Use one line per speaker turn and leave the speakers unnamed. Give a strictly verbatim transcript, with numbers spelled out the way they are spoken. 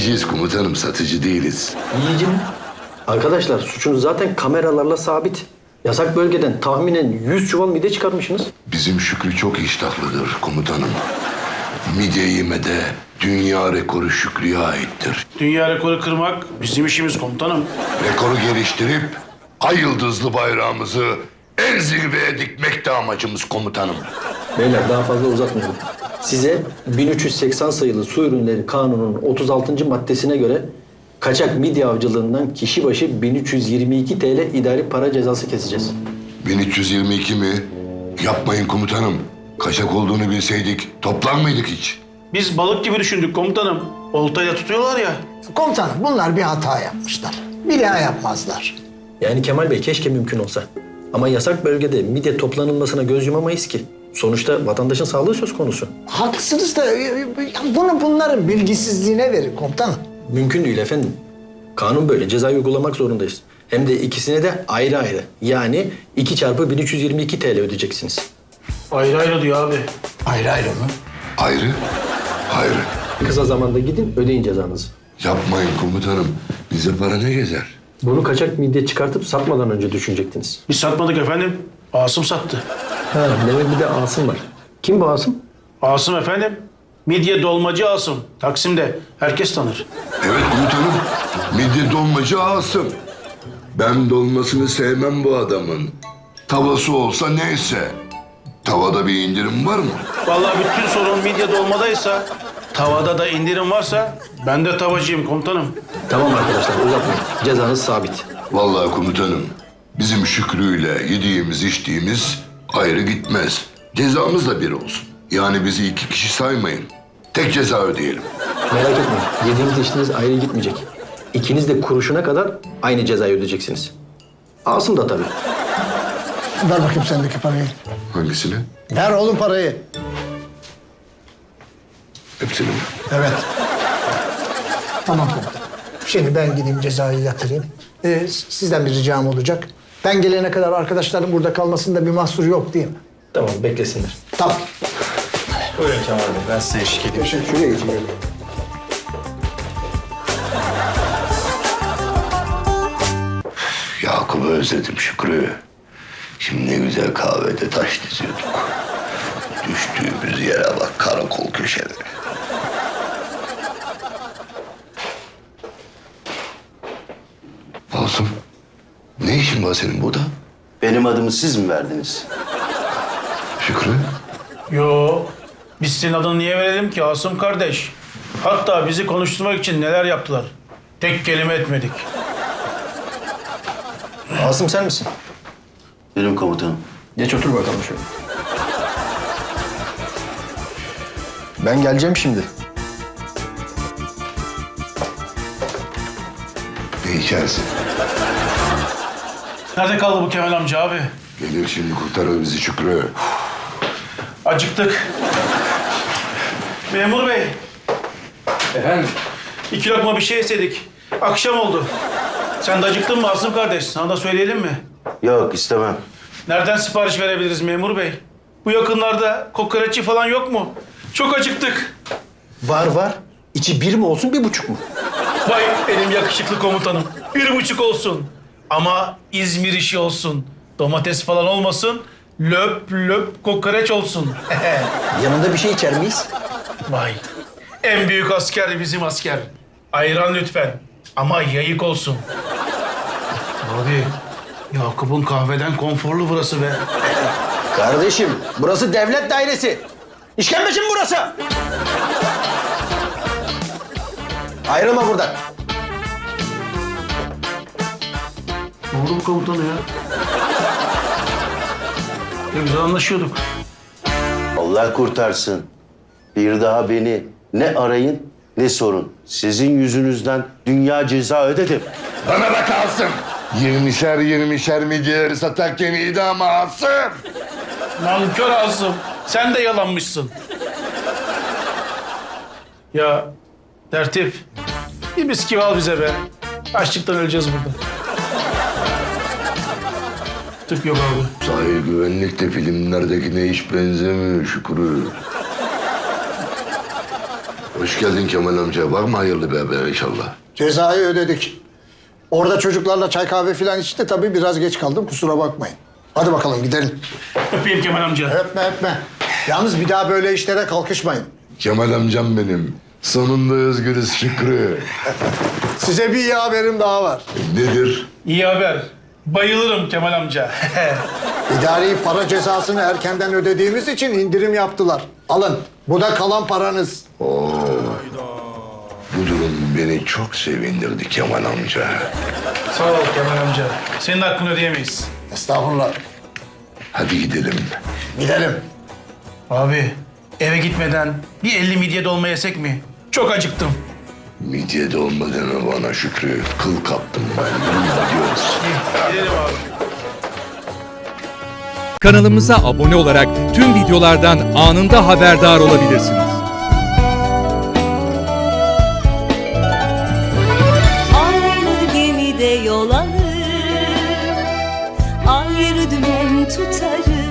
Yiyeceğiz komutanım, satıcı değiliz.
Yiyici mi? Arkadaşlar suçunuz zaten kameralarla sabit. Yasak bölgeden tahminen yüz çuval mide çıkarmışsınız.
Bizim Şükrü çok iştahlıdır komutanım. Midye yemede dünya rekoru Şükrü'ye aittir.
Dünya rekoru kırmak bizim işimiz komutanım.
Rekoru geliştirip ay yıldızlı bayrağımızı en zirveye dikmek de amacımız komutanım.
Beyler daha fazla uzatmayalım. Size bin üç yüz seksen sayılı Su Ürünleri Kanunu'nun otuz altıncı maddesine göre kaçak midye avcılığından kişi başı bin üç yüz yirmi iki T L idari para cezası keseceğiz.
bin üç yüz yirmi iki mi? Yapmayın komutanım. Kaçak olduğunu bilseydik toplar mıydık hiç?
Biz balık gibi düşündük komutanım. Oltayla tutuyorlar ya.
Komutanım bunlar bir hata yapmışlar. Bir daha yapmazlar.
Yani Kemal Bey keşke mümkün olsa. Ama yasak bölgede midye toplanılmasına göz yumamayız ki. Sonuçta vatandaşın sağlığı söz konusu.
Haklısınız da e, bunu bunların bilgisizliğine verin komutanım.
Mümkün değil efendim. Kanun böyle. Cezayı uygulamak zorundayız. Hem de ikisine de ayrı ayrı. Yani iki çarpı bin üç yüz yirmi iki T L ödeyeceksiniz.
Ayrı ayrı diyor abi.
Ayrı ayrı mı?
Ayrı, ayrı.
Kısa zamanda gidin ödeyin cezanızı.
Yapmayın komutanım. Bize para ne gezer?
Bunu kaçak midye çıkartıp satmadan önce düşünecektiniz.
Biz satmadık efendim. Asım sattı.
Ha, demek bir de Asım var. Kim bu Asım?
Asım efendim. Midye dolmacı Asım. Taksim'de. Herkes tanır.
Evet komutanım. Midye dolmacı Asım. Ben dolmasını sevmem bu adamın. Tavası olsa neyse. Tavada bir indirim var mı?
Vallahi bütün sorun midye dolmadaysa, tavada da indirim varsa ben de tavacıyım komutanım.
Tamam arkadaşlar uzatmayın. Cezanız sabit.
Vallahi komutanım. Bizim Şükrü'yle yediğimiz içtiğimiz ayrı gitmez. Cezamız da bir olsun. Yani bizi iki kişi saymayın. Tek ceza ödeyelim.
Merak etmeyin. Yediğiniz içtiğiniz ayrı gitmeyecek. İkiniz de kuruşuna kadar aynı cezayı ödeyeceksiniz. Asım da tabii.
Ver bakayım sendeki parayı.
Hangisini?
Ver oğlum parayı.
Hepsini mi?
Evet. Tamam komutanım. Şimdi ben gideyim cezayı yatırayım. Ee, sizden bir ricam olacak. Ben gelene kadar arkadaşlarım burada kalmasında bir mahsur yok değil mi?
Tamam beklesinler.
Tamam.
Buyurun Kemal Bey. Ben size eşlik edeyim. Şuraya geçin.
Yakup'u özledim Şükrü. Şimdi ne güzel kahvede taş diziyorduk. Düştüğümüz yere bak, karakol köşeleri. Asım, ne işin var senin burada?
Benim adımı siz mi verdiniz?
Şükrü,
Yo, biz senin adını niye verelim ki Asım kardeş? Hatta bizi konuşturmak için neler yaptılar. Tek kelime etmedik.
Asım sen misin?
Benim komutanım.
Geç otur bakalım şöyle. Ben geleceğim şimdi.
ne içersin?
Nerede kaldı bu Kemal amca abi?
Gelir şimdi kurtarır bizi Şükrü.
Acıktık. Memur bey,
Efendim?
iki lokma bir şey istedik. Akşam oldu. Sen de acıktın mı Asım kardeş? Sana da söyleyelim mi?
Yok istemem.
Nereden sipariş verebiliriz memur bey? Bu yakınlarda kokoreççi falan yok mu? Çok acıktık.
Var var. İçi bir mi olsun bir buçuk mu?
Vay benim yakışıklı komutanım. Bir buçuk olsun. Ama İzmir işi olsun. Domates falan olmasın. Löp löp kokoreç olsun.
Yanında bir şey içer miyiz?
Vay. En büyük asker bizim asker. Ayran lütfen. Ama yayık olsun. Abi, Yakup'un kahveden konforlu burası be.
Kardeşim burası devlet dairesi. İşkembeci mi burası? Ayrılma buradan.
Ne oldu bu komutanı ya? Ne güzel anlaşıyorduk.
Allah kurtarsın. Bir daha beni ne arayın ne sorun. Sizin yüzünüzden dünya ceza ödedim.
Bana bak Asım. Yirmişer yirmişer midyeleri satarken iyiydi ama Asım.
Nankör Asım. Sen de yalanmışsın. Ya tertip. Bir bisküvi al bize be. Açlıktan öleceğiz burada. Tık yok abi.
Sahil güvenlik de filmlerdekine hiç benzemiyor Şükrü. Hoş geldin Kemal amca. Var mı hayırlı bir haber inşallah?
Cezayı ödedik. Orada çocuklarla çay kahve falan içti. Tabii biraz geç kaldım. Kusura bakmayın. Hadi bakalım gidelim.
Öpeyim Kemal amca.
Öpme öpme. Yalnız bir daha böyle işlere kalkışmayın.
Kemal amcam benim. Sonunda özgürüz Şükrü.
Size bir iyi haberim daha var.
Nedir?
İyi haber. Bayılırım Kemal amca.
İdari para cezasını erkenden ödediğimiz için indirim yaptılar. Alın. Bu da kalan paranız.
Bu durum beni çok sevindirdi Kemal amca.
Sağ ol Kemal amca. Senin hakkını ödeyemeyiz.
Estağfurullah.
Hadi gidelim.
Gidelim.
Abi eve gitmeden bir elli midye dolma yesek mi? Çok acıktım.
Midye dolma deme bana Şükrü. Kıl kaptım ben. Gidiyoruz.
Gidelim abi.
Kanalımıza abone olarak tüm videolardan anında haberdar olabilirsiniz.
Aynı gemide yol alır, ayrı dümen tutarız.